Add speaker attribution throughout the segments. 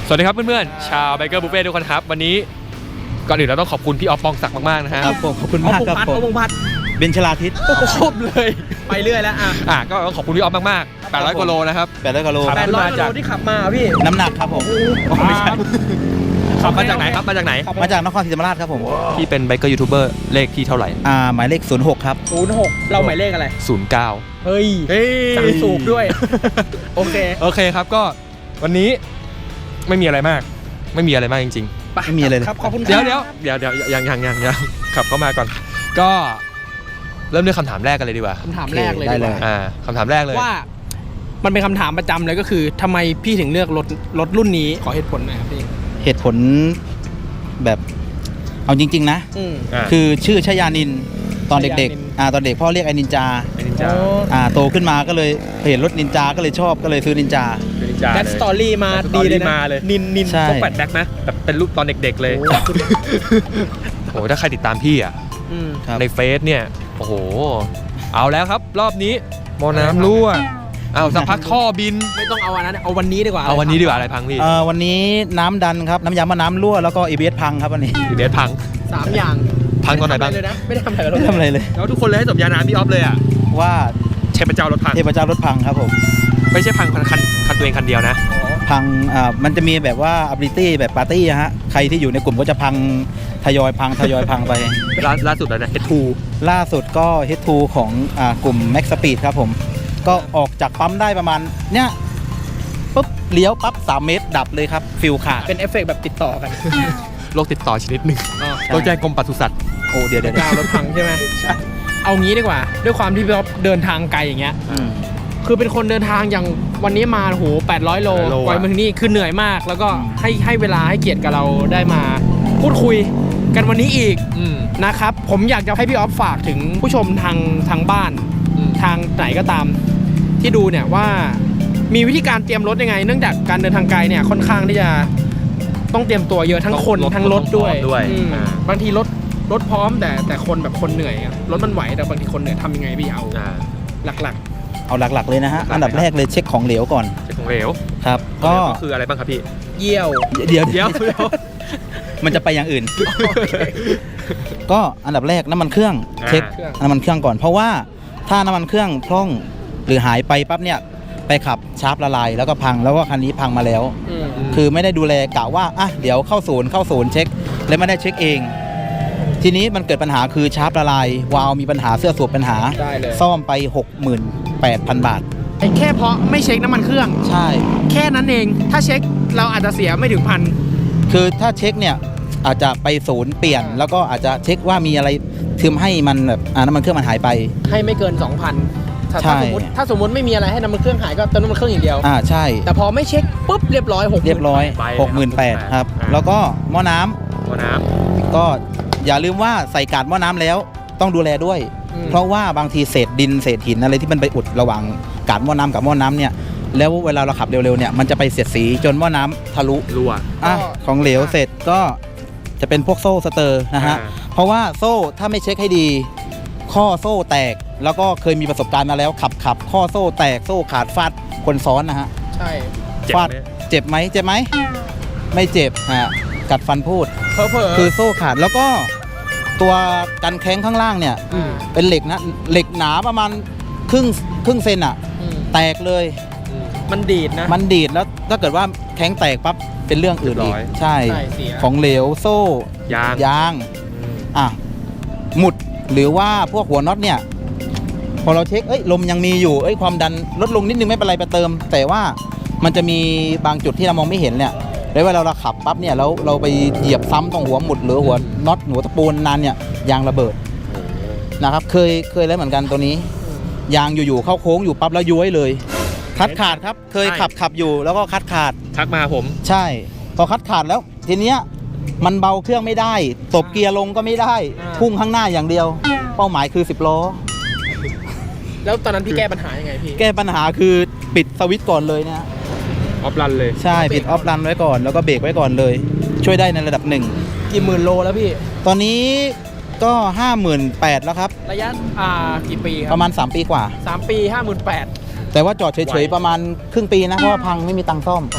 Speaker 1: สวัสดีครับเพื่อนๆชาวไบเกอร์บุฟเฟ่ทุกคนครับวันนี้ก่อนอื่นเราต้องขอบคุณพี่ออฟปองศักดิ์มากๆนะฮะ
Speaker 2: ครับผมขอบคุณมากครับผมเบนชลาทิศ
Speaker 1: ครบเลย
Speaker 3: ไปเรื่อยแล้ว
Speaker 1: ก็ต้องขอบคุณพี่ออฟมากๆ800กว่าโลนะครับ
Speaker 2: 800กิโล
Speaker 1: ครับ
Speaker 3: 800กิโลที่ขับมาพี่
Speaker 2: น้ำหนักครับผม
Speaker 1: ไม่ใช่ขับมาจากไหนครับมาจากไหน
Speaker 2: มาจากนครศรีธรรมราชครับผม
Speaker 1: พี่เป็นไบเกอร์ยูทูบเบอร์เลขที่เท่าไหร่
Speaker 2: หมายเลข06ครับ
Speaker 3: 06เราหมายเลขอะไร
Speaker 1: 09
Speaker 3: เฮ้ยสั่งสูบด้วย โอเค
Speaker 1: ครับก็วันนี้ไม่มีอะไรมากไม่มีอะไรมากจริงๆ
Speaker 2: ไม่มีอะไรเลย
Speaker 3: ครับขอบคุณ
Speaker 1: เดี๋ยวยังขับเข้ามาก่อน ก็เริ่มด้วยคำถามแรกกันเลยดีกว่า
Speaker 3: คำถามแรกเลย
Speaker 2: ได้
Speaker 3: ดีก
Speaker 2: เล
Speaker 3: ว่าย
Speaker 1: คำถามแรกเลย
Speaker 3: ว่ามันเป็นคำถามประจำเลยก็คือทำไมพี่ถึงเลือกรถรุ่นนี้ขอเหตุผลหน่อยครับพี่
Speaker 2: เหตุผลแบบเอาจริงๆนะ
Speaker 1: อ่า
Speaker 2: คือชื่อชยานินตอนเด็ก
Speaker 3: ชยานิน
Speaker 2: ๆตอนเด็กพ่อเรียกไอ้นินจา
Speaker 1: เป็นนินจา
Speaker 2: โตขึ้นมาก็เลยเห็นรถนินจาก็เลยชอบก็เลยซื้อนินจา
Speaker 1: เป็นนินจา
Speaker 3: แบ็คสตอรี่มาดีเลยนะ
Speaker 1: มาเลย
Speaker 3: นิน
Speaker 2: ใช่
Speaker 1: ต้องแปดแบ็คนะแบบเป็นรูปตอนเด็กๆเลยโอ้โหถ้าใครติดตามพี่อ่ะ
Speaker 2: ครับ
Speaker 1: ในเฟซเนี่ยโอ้โหเอาแล้วครับรอบนี้หมอน้ำรั่วเอาสักพักท่อบิน
Speaker 3: ไม่ต้องเอาอันนั้นเอาวันนี้ดีกว่า
Speaker 1: เอาวันนี้ดีกว่าอะไรพังพี่
Speaker 2: วันนี้น้ำดันครับน้ำยามะน้ำรั่วแล้วก็ ABS พังครับวันนี้
Speaker 1: เดี๋ยวพัง
Speaker 3: 3 อย่าง
Speaker 1: พังตอนไหนบ้าง
Speaker 3: เลยนะไม่ได้ทำอะไรกับรถ
Speaker 2: ไม่ทำอะไรเลย
Speaker 1: แล้วทุกคนเลยให้สมญานามพี่ออฟเลยอ่ะ
Speaker 2: ว่า
Speaker 1: เทพเจ้ารถพัง
Speaker 2: เทพเจ้ารถพังครับผม
Speaker 1: ไม่ใช่พังคันตัวเองคันเดียวนะ
Speaker 2: พังมันจะมีแบบว่า ability แบบปาร์ตี้ฮะใครที่อยู่ในกลุ่มก็จะพังทยอยพังไป
Speaker 1: ล่าสุดแล้วนะ H2
Speaker 2: ล่าสุดก็ H2 ของกลุ่ม Max Speed ครับผมก็ออกจากปั๊มได้ประมาณเนี้ยปุ๊บเลี้ยวปั๊บ3 เมตรดับเลยครับฟิลขาด
Speaker 3: เป็นเอฟเฟกต์แบบติดต่อกัน
Speaker 1: โรคติดต่อชนิดหนึ่งต้องแจ้งกรมปศุสัตว์
Speaker 2: โอ้เดี๋ยว
Speaker 3: ดาวรถพังใช่ไหมเอางี้ดีกว่า ด้วยความที่พี่อ๊อฟเดินทางไกลอย่างเงี้ยคือเป็นคนเดินทางอย่างวันนี้มาโห800 โลกว่ามาถึงนี่คือเหนื่อยมาก แล้วก็ให้เวลาให้เกียรติกับเราได้มาพูดคุยกันวันนี้อีกนะครับผมอยากจะให้พี่อ๊อฟฝากถึงผู้ชมทางบ้านทางไหนก็ตามที่ดูเนี่ยว่ามีวิธีการเตรียมรถยังไง เนื่องจากการเดินทางไกลเนี่ยค่อนข้างที่จะต้องเตรียมตัวเยอะทั้งคนทั้งรถด้วยบางทีรถพร้อมแต่คนแบบคนเหนื่อยรถมันไหวแต่บางทีคนเหนื่อยทำยังไงพี่เอาหลัก
Speaker 2: เอาหลักๆเลยนะฮะอันดับแรกเลยเช็คของเหลวก่อน
Speaker 1: เช็คของเหลว
Speaker 2: ครับก็
Speaker 1: คืออะไรบ้างครับพี่
Speaker 3: ๆเยี่ยว
Speaker 2: เดี๋ยว มันจะไปอย่างอื่น ก็อันดับแรกน้ำมันเครื่องเช็คน้ำมันเครื่องก่อนเพราะว่าถ้าน้ำมันเครื่องพร่องหรือหายไปปั๊บเนี่ยไปขับชาร์ปละลายแล้วก็พังแล้วก็คันนี้พังมาแล้วคือไม่ได้ดูแลกะว่าเดี๋ยวเข้าศูนย์เช็คแล้วไม่ได้เช็คเองทีนี้มันเกิดปัญหาคือชาร์ปละลายวาล์วมีปัญหาเสื้อสูบปัญหาซ่อมไป 68,000 บาท
Speaker 3: แค่เพราะไม่เช็คน้ำมันเครื่อง
Speaker 2: ใช่
Speaker 3: แค่นั้นเองถ้าเช็คเราอาจจะเสียไม่ถึงพัน
Speaker 2: คือถ้าเช็คเนี่ยอาจจะไปศูนย์เปลี่ยนแล้วก็อาจจะเช็คว่ามีอะไรทึมให้มันแบบน้ำมันเครื่องมันหายไป
Speaker 3: ให้ไม่เกิน 2,000
Speaker 2: ใช่
Speaker 3: ถ้าสมมติไม่มีอะไรให้น้ำมันเครื่องหายก็เติมน้ำมันเครื่องอย่างเดียว
Speaker 2: ใช่
Speaker 3: แต่พอไม่เช็คปุ๊บเรียบร้อย
Speaker 2: 68,000ครับแล้วก็หม้อน้ำก็อย่าลืมว่าใส่กาดหม้อน้ำแล้วต้องดูแลด้วยเพราะว่าบางทีเศษดินเศษหินอะไรที่มันไปอุดระหว่างกาดหม้อน้ำกับหม้อน้ำเนี่ยแล้วเวลาเราขับเร็วๆเนี่ยมันจะไปเสียดสีจนหม้อน้ำทะลุ
Speaker 1: รั่ว
Speaker 2: ของเหลวเสร็จก็จะเป็นพวกโซ่สเตอร์นะฮะเพราะว่าโซ่ถ้าไม่เช็คให้ดีข้อโซ่แตกแล้วก็เคยมีประสบการณ์มาแล้วขับข้อโซ่แตกโซ่ขาดฟาดคนซ้อนนะฮะ
Speaker 3: ใช่
Speaker 2: ฟาดเจ็บไหมไม่เจ็บฮะกัดฟันพูดคือโซ่ขาดแล้วก็ตัวกันแข้งข้างล่างเนี่ยเป็นเหล็กนะเหล็กหนาประมาณครึ่งเซนแตกเลย
Speaker 3: มันดีดนะ
Speaker 2: มันดีดแล้วถ้าเกิดว่าแข้งแตกปั๊บเป็นเรื่องอื่นอีกใช่ของเหลวโซ่ยางหมุดหรือว่าพวกหัวน็อตเนี่ยพอเราเช็คลมยังมีอยู่ความดันลดลงนิดนึงไม่เป็นไรไปเติมแต่ว่ามันจะมีบางจุดที่เรามองไม่เห็นเนี่ยแล้วเวลาเราขับปั๊บเนี่ยแล้วเราไปเหยียบซ้ำตรงหัวหมุดหรือหัวน็อตหัวตะปูนานเนี่ยยางระเบิดนะครับเคยแล้วเหมือนกันตัวนี้ยางอยู่ๆเข้าโค้งอยู่ปั๊บแล้วย้วยเลยคัดขาดครับเคยขับอยู่แล้วก็คัดขาด
Speaker 1: ทักมาผม
Speaker 2: ใช่พอคัดขาดแล้วทีเนี้ยมันเบาเครื่องไม่ได้ตบเกียร์ลงก็ไม่ได้พุ่งข้างหน้าอย่างเดียวเป้าหมายคือ10 ล้อ
Speaker 3: แล้วตอนนั้นพี่แก้ปัญหายังไงพี่
Speaker 2: แก้ปัญหาคือปิดสวิตช์ก่อนเลยนะ
Speaker 1: ออฟรันเลย
Speaker 2: ใช่ปิดออฟรันไว้ก่อนแล้วก็เบรกไว้ก่อนเลยช่วยได้ในระดับ
Speaker 3: กี่หมื่นโลแล้วพี่
Speaker 2: ตอนนี้ก็ 58,000 แล้วครับ
Speaker 3: ระยะกี่ปีครับ
Speaker 2: ประมาณ3 ปีกว่า
Speaker 3: 3 ปี 58,000
Speaker 2: แต่ว่าจอดเฉยๆประมาณครึ่งปีนะเพราะว่าพังไม่มีตังค์ซ่อม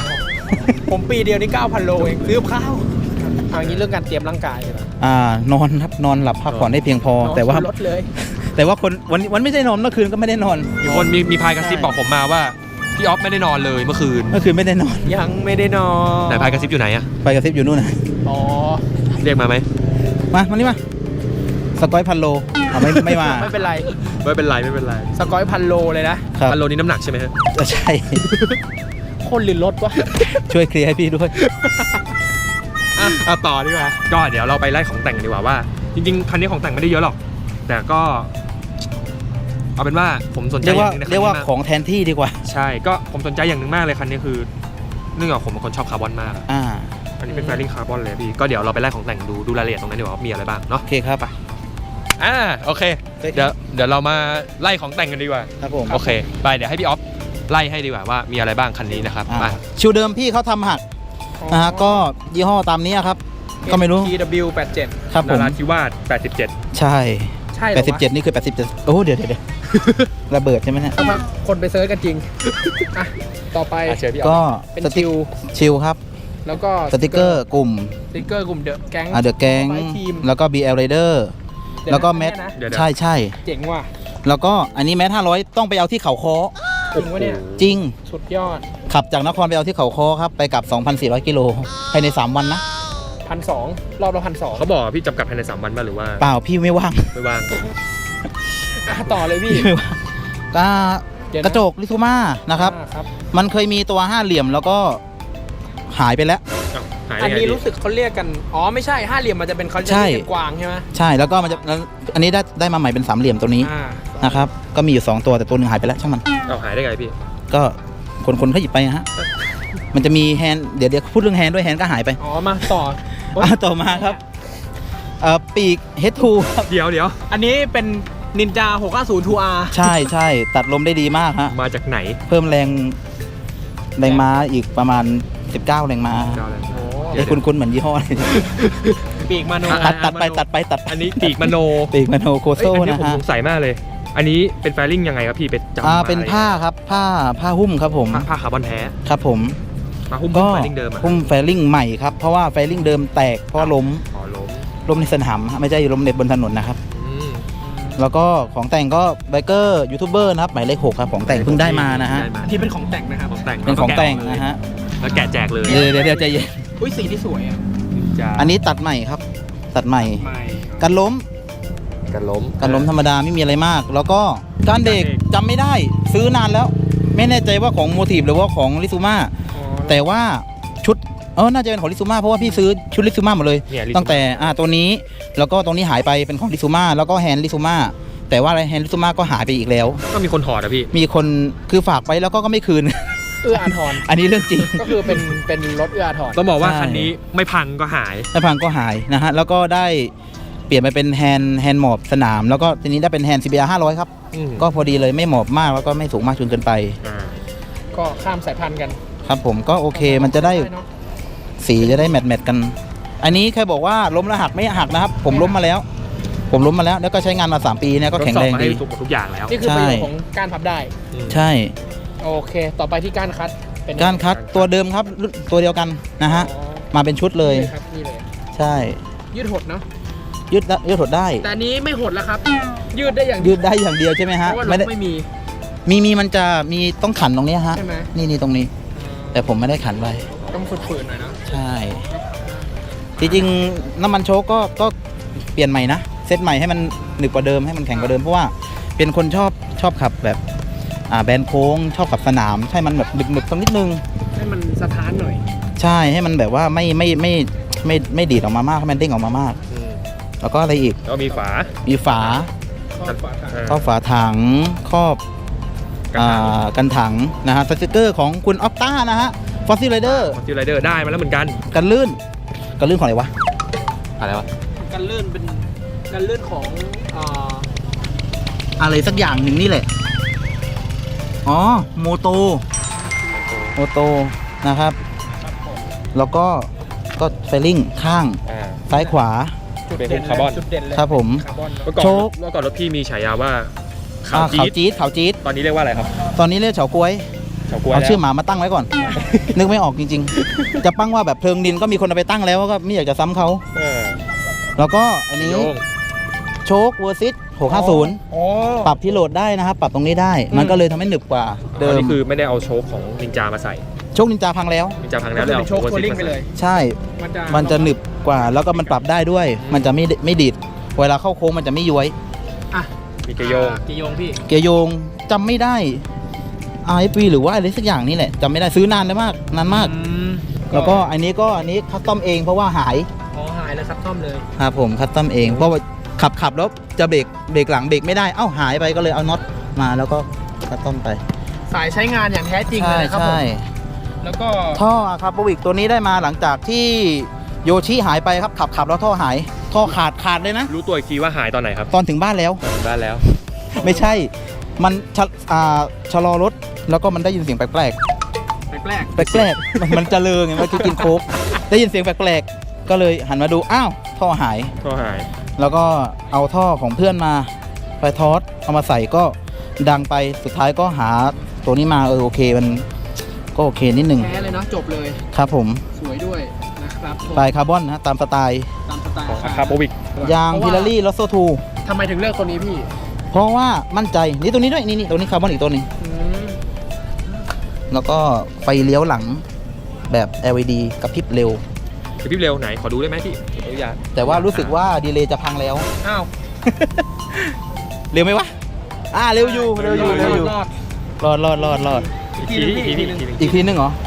Speaker 3: ผมปีเดียวนี่ 9,000 โลเองซื้อกับข้าวเอาอย่างนี้เรื่องการเตรียมร่างกายเลยนะ
Speaker 2: นอนครับนอนหลับพักผ่อนได้เพียงพอ แต่ว่า
Speaker 3: ลดเลย
Speaker 2: แต่ว่าคนวันไม่ได้นอนเมื่อคืนก็ไม่ได้นอน
Speaker 1: มีคนมีพายกระซิบบอกผมมาว่าพี่ออฟไม่ได้นอนเลยเมื่อคืน
Speaker 2: ไม่ได้นอน
Speaker 3: ยังไม่ได้นอน
Speaker 1: แต่พายกระซิบอยู่ไหนอะ
Speaker 2: ไปกระซิบอยู่นู่นนะ
Speaker 3: อ๋อ
Speaker 1: เรียกมาไหม
Speaker 2: มานี่มาสกอยพันโลไม่มา
Speaker 3: ไม่เป็นไร
Speaker 1: ไม่เป็นไรไม่เป็นไร
Speaker 3: สกอย1,000 โลเลยนะครับ
Speaker 1: พันโลนี้น้ำหนักใช่ไหมฮะ
Speaker 2: ใช่
Speaker 3: คนหรือรถวะ
Speaker 2: ช่วยเคลียร์ให้พี่ด้วย
Speaker 1: เอาต่อดีกว่าก็เดี๋ยวเราไปไล่ของแต่งกันดีกว่าว่า จริงๆคันนี้ของแต่งไม่ได้เยอะหรอก แต่ก็เอาเป็นว่าผมสนใจ
Speaker 2: เรียก
Speaker 1: อ
Speaker 2: ว่า
Speaker 1: ย่างหนึงนะ
Speaker 2: เรียกว่า
Speaker 1: คันนี้
Speaker 2: ของแทนที่ดีกว่า
Speaker 1: ใช่ก็ผมสนใจอย่างหนึ่งมากเลยคันนี้คือเนื่องจากผมเป็นคนชอบคาร์บอนมากอะ อันนี้เป็นแฟริ่งคาร์บอนเลยพี่ก็เดี๋ยวเราไปไล่ของแต่งดูรายละเอียดตรงนั้นดีกว่าว่ามีอะไรบ้างเนาะ
Speaker 2: โอเคครับ
Speaker 1: โอเคเดี๋ยวเรามาไล่ของแต่งกันดีกว่า
Speaker 2: ครับผม
Speaker 1: โอเคไปเดี๋ยวให้พี่ออฟไล่ให้ดีกว่าว่ามีอะไรบ้างคันนี้นะครับมา
Speaker 2: ชิวเดิมพี่เขาทำหักนะฮะก็ยี่ห้อตามนี้ครับ ก็ไม่รู้
Speaker 3: TW87
Speaker 2: ครับผ
Speaker 1: นาม ราธิวาส87
Speaker 2: ใช่
Speaker 3: ใช่เหรอวะ
Speaker 2: 87นี่คือ87โอ้เดี๋ยวระเบิดใช่ไหมเนี่ย
Speaker 3: เอามาคนไปเซิร์ชกันจริงอ่ะต่อไป
Speaker 1: เชิญพี่ออ
Speaker 2: ก็
Speaker 1: ฟ
Speaker 3: เป็น
Speaker 2: สติ๊ก
Speaker 3: ชิว
Speaker 2: ชิลครับ
Speaker 3: แล้วก็
Speaker 2: สติกเกอร์กลุ่ม
Speaker 3: สติ๊กเกอร์กลุ่มเดอะแก๊ง
Speaker 2: เดอะแก๊ง
Speaker 3: ทีม
Speaker 2: แล้วก็ BL Rider แล้วก็แมท
Speaker 1: เดี๋ยว
Speaker 2: ใช่
Speaker 3: เจ๋งว่ะ
Speaker 2: แล้วก็อันนี้แมท500ต้องไปเอาที่เขาค้อ
Speaker 3: จริงวะเนี่ย
Speaker 2: จริง
Speaker 3: สุดยอด
Speaker 2: ขับจากนครไปเอาที่เขาค้อครับไปกลับ 2,400 กิโลภายใน 3 วันนะ
Speaker 3: 1,200รอบละ1,200
Speaker 1: เขาบอกว่าพี่จำกัดภายใน3 วันป่ะหรือว่า
Speaker 2: เปล่าพี่ไม่ว่าง
Speaker 1: ไม่ว่าง
Speaker 3: ต่อเลยพี่
Speaker 2: ไม่ว่างก็
Speaker 3: เดี๋ยวนะ
Speaker 2: กระจกลิทูมานะครับ
Speaker 3: ครับ
Speaker 2: มันเคยมีตัว5เหลี่ยมแล้วก็หายไปแล้ว
Speaker 1: อ้าวหาย
Speaker 3: อั
Speaker 1: ได้
Speaker 3: น
Speaker 1: ไง
Speaker 3: นี้
Speaker 1: พี่
Speaker 3: รู้สึกเขาเรียกกัน อ๋อไม่ใช่ห้าเหลี่ยมมันจะเป็นเขาจะ
Speaker 2: ใช่
Speaker 3: เรียกกันกวางใช่ไหม
Speaker 2: ใช่แล้วก็มันจะแล้วอันนี้ได้มาใหม่เป็น3เหลี่ยมตัวนี้
Speaker 3: อ่า
Speaker 2: นะครับก็มีอยู่2ตัวแต่ตัวหนึงหายไปแล้วช่างมัน
Speaker 1: เอาหายได้ไงพี่
Speaker 2: ก็คนเขาหยิบไปนะฮะมันจะมีแฮนด์เดี๋ยวพูดเรื่องแฮนด์ด้วยแฮนด์ก็หายไป
Speaker 3: อ๋อมาต่อ
Speaker 2: ต่อมาครับปีก H2 ครับ
Speaker 1: เดี๋ยว
Speaker 3: อันนี้เป็นนินจา 650 2R
Speaker 2: ใช่ตัดลมได้ดีมากฮะ
Speaker 1: มาจากไหน
Speaker 2: เพิ่มแรงม้าอีกประมาณ 19 แรงม้า
Speaker 1: เจ้าอะไร
Speaker 3: โอ้
Speaker 1: เดี๋ยว
Speaker 2: คุ้นเหมือนยี่ห้ออะไร
Speaker 3: ปีกมาโน
Speaker 2: ตัดไป
Speaker 1: อันนี้ปีกมโน
Speaker 2: ปีกมโนโค
Speaker 1: เอ้
Speaker 2: โซ่
Speaker 1: ยอันนี้
Speaker 2: นะ
Speaker 1: ผม
Speaker 2: ฮะ
Speaker 1: สงสัยมากเลย อันนี้เป็นแฟริ่งยังไงครับพี่ไปจำมา
Speaker 2: เป็นผ้าครับผ้าหุ้มครับผม
Speaker 1: ผ้าคาร์บอนแท้
Speaker 2: ครับผม
Speaker 1: มาหุ้ม
Speaker 2: ก็
Speaker 1: แฟริ่งเดิมอะ
Speaker 2: หุ้มแฟริ่งใหม่ครับเพราะว่าแฟริ่งเดิมแตกเพราะว่าล้ม
Speaker 1: อ๋อล้ม
Speaker 2: ในสนามฮะไม่ใช่ล้มในบนถนนนะครับ
Speaker 1: อืม
Speaker 2: แล้วก็ของแต่งก็ไบเกอร์ยูทูบเบอร์นะครับหมายเลข 6 ครับของแต่งเพิ่งได้มานะฮะ
Speaker 1: ได้มา
Speaker 3: ที่เป็นของแต่งนะครับ
Speaker 1: ของแต่ง
Speaker 2: เป็นของแต่งนะฮะ
Speaker 1: แล้วแกะแจกเลย
Speaker 2: เดี๋ยวใจเย็น
Speaker 3: อุ้ยสีที่สวยอ่ะ
Speaker 2: อันนี้ตัดใหม่ครับ ตัดใหม่
Speaker 3: ใหม่
Speaker 2: กันล้ม
Speaker 1: กันล้ม
Speaker 2: กันล้มธรรมดาไม่มีอะไรมาก แล้วก็การเด็กจำไม่ได้ซื้อนานแล้ว ไม่แน่ใจว่าของโมทีฟหรือว่าของลิซูมา
Speaker 3: อ๋อ
Speaker 2: แต่ว่าชุดน่าจะเป็นของลิซูมาเพราะว่าพี่ซื้อชุดลิซูมาหมดเลย
Speaker 1: เนี่ย
Speaker 2: ตั้งแต่ตัวนี้แล้วก็ตรงนี้หายไปเป็นของลิซูมาแล้วก็แฮนด์ลิซูมาแต่ว่าแฮนด์ลิซูมาก็หายไปอีกแล้ว
Speaker 1: ก็มีคนถอดอะพี่
Speaker 2: มีคนคือฝากไปแล้วก็ไม่คืน
Speaker 3: เอื้ออาทร
Speaker 2: อันนี้เรื่องจริง
Speaker 3: ก็คือเป็นรถเอื้ออาทร
Speaker 1: ต้องบอกว่า
Speaker 2: ใช่
Speaker 1: คันนี้ไม่พังก็หาย
Speaker 2: แล้วพังก็หายนะฮะแล้วก็ได้เปลี่ยนไปเป็นแฮนด์หมอบสนาม แล้วก็ทีนี้ได้เป็นแฮนด์ CBR 500 ครับ
Speaker 1: อืม
Speaker 2: ก็พอดีเลยไม่หมอบมากแล้วก็ไม่สูงมากจนเกินไป
Speaker 1: อ่า
Speaker 3: ก็ข้ามสายพันธุ์กัน
Speaker 2: ครับผมก็โอเคมันจะได้
Speaker 3: เนอะ
Speaker 2: สีจะได้แมทกัน อันนี้ใครบอกว่าล้มแล้วหักไม่หักนะครับ ผมล้มมาแล้ว แล้วก็ใช้งานมา3 ปีเนี่ยก็แข็งแรง
Speaker 1: ทดสอบมา
Speaker 2: ดี
Speaker 1: ให้ทุกอย่างแล้ว
Speaker 3: นี่คือประโยช
Speaker 2: ใช่
Speaker 3: น์ของการพับได้
Speaker 1: อืม
Speaker 2: ใช่
Speaker 3: โอเค ต่อไปที่การคัดเป็น
Speaker 2: การคัดตัวเดิมครับตัวเดียวกันนะฮะ
Speaker 3: อ๋อ
Speaker 2: มาเป็นชุดเลย
Speaker 3: นี่ครับนี่เลย
Speaker 2: ใช่
Speaker 3: ยืดหดเนาะ
Speaker 2: ยืดถดได้
Speaker 3: แต่อันนี้ไม่หดแล้วครับ ยืดได้อย่าง
Speaker 2: ยืดได้อย่างเดียวใช่ไหม
Speaker 3: เพ
Speaker 2: ฮะ
Speaker 3: ราะว่า
Speaker 2: ไม่ได้
Speaker 3: รถไม่มี
Speaker 2: มีมันจะมีต้องขันตรงนี้ฮะ
Speaker 3: ใช่ไหม
Speaker 2: นี่ตรงนี้ แต่ผมไม่ได้ขันไว้
Speaker 3: ต้องฝืนๆหน่อยเนาะ
Speaker 2: ใช่จริงๆน้ำมันโชคก็เปลี่ยนใหม่นะเซตใหม่ให้มันหนึบกว่าเดิมให้มันแข็งกว่าเดิมเพราะว่าเป็นคนชอบขับแบบแบนโค้งชอบขับสนามให้มันแบบหนึบๆสักนิดนึง
Speaker 3: ให้มันสะท้านหน่อย
Speaker 2: ใช่ให้มันแบบว่าไม่ดีดออกมามากให้มันเด้งออกมามาก
Speaker 1: อืม
Speaker 2: แล้วก็อะไรอีก
Speaker 1: แล้วก็มีฝา
Speaker 2: มีฝา
Speaker 3: ข้อฝาถัง
Speaker 2: ครอบฝาถังครอบ
Speaker 1: กันถัง
Speaker 2: กันถังนะฮะสติกเกอร์ของคุณออฟต้านะฮะฟอสซิลไรเดอร์
Speaker 1: คอนซิลไรเดอร์ได้มาแล้วเหมือนกัน
Speaker 2: กันลื่นของอะไรวะ
Speaker 1: อะไรวะ
Speaker 3: กันลื่นเป็นกันลื่นของ
Speaker 2: อะไรสักอย่างหนึ่งนี่แหละอ๋อโมโตนะครับ
Speaker 3: ครับผม
Speaker 2: แล้วก็ไฟลิ่งข้าง
Speaker 1: อ่า
Speaker 2: ซ้ายขวา
Speaker 3: จุด
Speaker 1: เป็น
Speaker 3: เด่น
Speaker 1: คาร์บอน
Speaker 3: จุดเด่นเลย
Speaker 2: ครับผม
Speaker 3: คาร์บอน
Speaker 1: เมื่อก่อน
Speaker 2: โชค
Speaker 1: รถพี่มีฉายาว่าขาว
Speaker 2: ขาว
Speaker 1: จี๊ด
Speaker 2: จี๊ด
Speaker 1: ตอนนี้เรียกว่าอะไรครับ
Speaker 2: ตอนนี้เรียกเฉาก๊วย
Speaker 1: เฉาก๊วย
Speaker 2: เอา
Speaker 1: แล้ว
Speaker 2: ชื่อหมามาตั้งไว้ก่อน นึกไม่ออกจริงๆ จะปั้งว่าแบบเพลิงดินก็มีคนเอาไปตั้งแล้วก็ไม่อยากจะซ้ำเขา
Speaker 1: เออ
Speaker 2: แล้วก็อันนี้
Speaker 1: โยง
Speaker 2: โชคเวอร์ซิต650
Speaker 3: อ๋อ
Speaker 2: ปรับที่โหลดได้นะครับ ปรับตรงนี้ได้ มันก็เลยทำให้หนึบกว่าเดิ
Speaker 1: อัน
Speaker 2: ม
Speaker 1: นี้คือไม่ได้เอาโชคของนินจามาใส่
Speaker 2: โชคนินจาพังแล้ว
Speaker 1: นินจาพัง
Speaker 3: ก็
Speaker 1: แล้ว
Speaker 3: คือ
Speaker 1: เลย
Speaker 3: เป็นโชค
Speaker 1: อา
Speaker 3: โคลิ่งไปเลย
Speaker 2: ใช่
Speaker 3: มัน
Speaker 2: มันจะหนึบกว่าแล้วก็มันปรับได้ด้วย มันจะไม่ดีดเวลาเข้าโค้งมันจะไม่ย้วย
Speaker 3: อ่ะ
Speaker 1: มีเกยโยง
Speaker 3: เกยโยงพี่
Speaker 2: เกียร์โยงจำไม่ได้ RFV หรือว่าอะไรสักอย่างนี่แหละจำไม่ได้ซื้อนานแล้วมากนานมาก แล้วก็อันนี้คัสตอมเองเพราะว่าหาย
Speaker 3: อ๋อหายแล้วครับซ่อมเลย
Speaker 2: ครับผมคัสตอมเองเพราะว่าขับแล้วจะเบรกหลังเบรกไม่ได้เอ้าหายไปก็เลยเอาน็อตมาแล้วก็คัสตอมไป
Speaker 3: สายใช้งานอย่างแท้จริงเลยนะครับผม
Speaker 2: ใช่
Speaker 3: แล้วก็
Speaker 2: ท่อครับบวิกตัวนี้ได้มาหลังจากที่โยชิหายไปครับขับแล้วท่อหายท่อขาดเลยนะ
Speaker 1: รู้ตัวอีกทีว่าหายตอนไหนครับ
Speaker 2: ตอนถึงบ้านแล้ว
Speaker 1: ถึงบ้านแล้ว
Speaker 2: ไม่ใช่มันชะลอรถแล้วก็มันได้ยินเสียงแปลก
Speaker 3: แปลก
Speaker 2: แปลกๆ มันจะเลอไงเมื่อกี้กินโค้กได้ยินเสียงแปลกๆก็เลยหันมาดูอ้าวท่อหาย
Speaker 1: ก็หาย
Speaker 2: แล้วก็เอาท่อของเพื่อนมาไปทอสเอามาใส่ก็ดังไปสุดท้ายก็หาตัวนี้มาโอเคมันก็โอเคนิดหนึ่ง
Speaker 3: แท้เลยเนาะจบเลย
Speaker 2: ครับผม
Speaker 3: สวยด้วยนะครับผม
Speaker 2: ปลายคาร์บอนนะตามสไตล์
Speaker 3: ตามสไตล์
Speaker 1: ของอาคาโปวิก
Speaker 2: ยางพิลารี่ลอสโซทู
Speaker 3: ทำไมถึงเลือกตัวนี้พี่
Speaker 2: เพราะว่ามั่นใจนี่ตัวนี้ด้วยนี่ตัวนี้คาร์บอนอีกตัวหนึง
Speaker 3: อืม
Speaker 2: แล้วก็ไฟเลี้ยวหลังแบบ LED กระพริบเร็ว
Speaker 1: คือพี่เร็วไหนขอดูได้ไหมพี่ขออนุญาต
Speaker 2: แต่ว่ารู้สึกว่าดีเลย์จะพังแล้ว
Speaker 3: อ้าว
Speaker 2: เร็วไหมวะเร็วอยู่
Speaker 3: รอด
Speaker 2: รอด
Speaker 1: อีกทีอีกทีอีกที
Speaker 2: อีกทีนึงเหรอ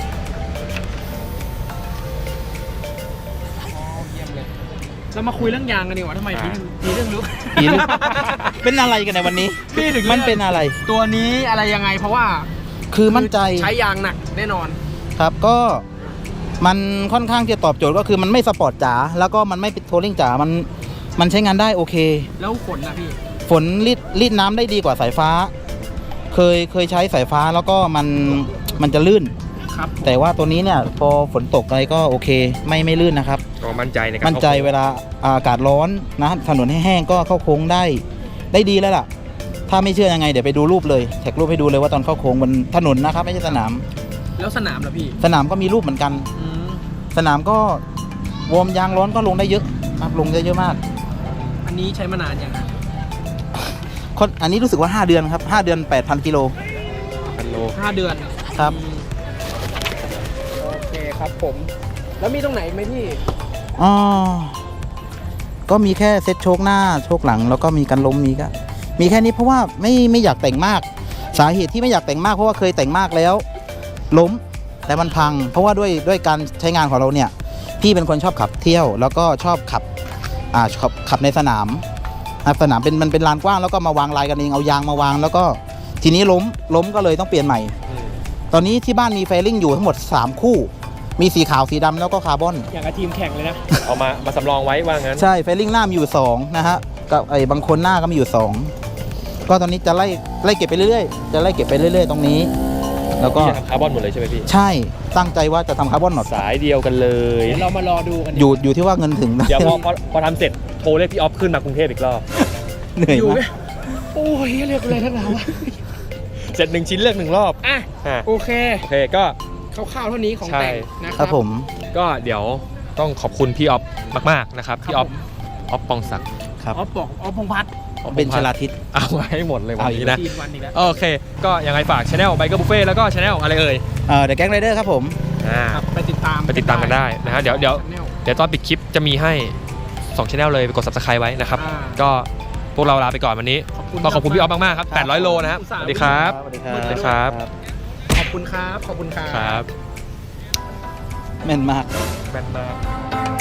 Speaker 3: เยี่ยมเลยเรามาคุยเรื่องยางกันดีกว่าทำไมพี่เรื่องรู้
Speaker 2: ผีหรือ เป็นอะไรกันในวันนี้
Speaker 3: พี่ถึง
Speaker 2: มันเป็นอะไร
Speaker 3: ตัวนี้อะไรยังไงเพราะว่า
Speaker 2: คือมั่นใจ
Speaker 3: ใช้ยางหนักแน่นอน
Speaker 2: ครับก็มันค่อนข้างจะตอบโจทย์ก็คือมันไม่สปอร์ตจ๋าแล้วก็มันไม่เป็นทัวริงจ๋ามันใช้งานได้โอเค
Speaker 3: แล้วฝนนะพี่
Speaker 2: ฝนรีดน้ำได้ดีกว่าสายฟ้า เคยใช้สายฟ้าแล้วก็มันจะลื่น
Speaker 3: ครับ
Speaker 2: แต่ว่าตัวนี้เนี่ยพอฝนตกอะไรก็โอเคไม่ลื่นนะครับ
Speaker 1: ก็มั่นใจในการ
Speaker 2: มั่นใจเวลาอากาศร้อนนะถนนแห้งๆก็เข้าโค้งได้ดีแล้วล่ะ ถ้าไม่เชื่อยังไงเดี๋ยวไปดูรูปเลยแท็กรูปให้ดูเลยว่าตอนเข้าโค้งบนถนนนะครับไม่ใช่สนาม
Speaker 3: แล้วสนามล่ะพี่
Speaker 2: สนามก็มีรูปเหมือนกัน
Speaker 3: อืม
Speaker 2: สนามก็วอร์มยางร้อนก็ลงได้เยอะครับลงได้เยอะมาก
Speaker 3: อันนี้ใช้มานานยังครับ
Speaker 2: อันนี้รู้สึกว่า5 เดือนครับ5 เดือน 8,000 กิโล
Speaker 1: พันโล
Speaker 3: 5 เดือน
Speaker 2: ครับ
Speaker 3: อืมโอเคครับผม แล้วมีตรงไหนอีกไหมพี่
Speaker 2: อ๋อก็มีแค่เซ็ตโชคหน้าโชคหลังแล้วก็มีการล้มมีแค่นี้เพราะว่าไม่อยากแต่งมาก สาเหตุที่ไม่อยากแต่งมากเพราะว่าเคยแต่งมากแล้วล้มแต่มันพัง เพราะว่าด้วยการใช้งานของเราเนี่ยพี่เป็นคนชอบขับเที่ยว แล้วก็ชอบขับในสนามนะครับสนามมันเป็นลานกว้างแล้วก็มาวางลายกันเองเอายางมาวางแล้วก็ทีนี้ล้มก็เลยต้องเปลี่ยนใหม่ ตอนนี้ที่บ้านมีเฟลลิ่งอยู่ทั้งหมด3 คู่ มีสีขาวสีดำแล้วก็คาร์บอน
Speaker 3: อย่างกับทีมแข่งเลยนะ
Speaker 1: เอามาสำรองไว้ว่างั้น
Speaker 2: ใช่เฟลลิ่งหน้ามีอยู่2นะฮะกับบางคนหน้าก็มีอยู่2ก็ตอนนี้จะไล่เก็บไปเรื่อยๆจะไล่เก็บไปเรื่อยๆตรงนี้ แล้วก็
Speaker 1: พี่จะทำคาร์บอนหมดเลยใช่ไหมพี่
Speaker 2: ใช่ตั้งใจว่าจะทำคาร์บอนหนอด
Speaker 1: สายเดียวกันเลย
Speaker 3: เดี๋ยวเรามารอดูกัน
Speaker 2: อยู่ที่ว่าเงินถึงนะ
Speaker 1: เดี๋ยวพอทำเสร็จโทรเรียกพี่ออฟขึ้นมากรุงเทพอีกรอบ
Speaker 2: เหนื่อย
Speaker 3: อยู่ไหม
Speaker 2: มาก
Speaker 3: โอ้ยเรียกอะไรทั้งนั้นวะ
Speaker 1: เสร็จ1 ชิ้นเลือก1 รอบ
Speaker 3: อ่ะ
Speaker 1: อ่ะ
Speaker 3: โอเค
Speaker 1: โอเคก็
Speaker 3: คร่าวๆเท่านี้ของ
Speaker 1: ใช่
Speaker 3: แต่งนะค
Speaker 2: ค
Speaker 3: รั
Speaker 2: รับผม
Speaker 1: ก็เดี๋ยวต้องขอบคุณพี่ออฟมากๆนะครับพี่ออฟปองศักดิ์
Speaker 2: ครับ
Speaker 3: อ๋อบอกอ๋อพงษ์พัฒน์
Speaker 2: เป็นชลาทิศ
Speaker 1: เอาไว้ให้หมดเลยวันนี้นะ
Speaker 3: ทีมวันอีกแล้ว
Speaker 1: โอเค ก็ยังไงฝากช anel Biker Buffet แล้วก็ช anel อะไรเอ่ย
Speaker 2: เดอะแก๊งไรเดอร์ครับผม
Speaker 3: ครับไปติดตาม
Speaker 1: ไปติดตามกันได้นะฮะเดี๋ยว
Speaker 3: Channel
Speaker 1: ตอนปิดคลิปจะมีให้2 channel เลยไปกด subscribe ไว้นะครับ
Speaker 3: อ่า
Speaker 1: ก็พวกเราลาไปก่อนวันนี้ ต้องขอบคุณพี่ออฟมากๆครับ
Speaker 2: ครับ
Speaker 1: 800 โลนะครับ
Speaker 3: อุตส่า
Speaker 1: ส
Speaker 3: ห์
Speaker 1: วัสดีครับ
Speaker 2: สวัสดี
Speaker 1: สวัสดีครับ
Speaker 3: ขอบคุณครับ ขอบคุณครับ
Speaker 1: ครับ
Speaker 2: แม่นมาก
Speaker 1: แบนมาก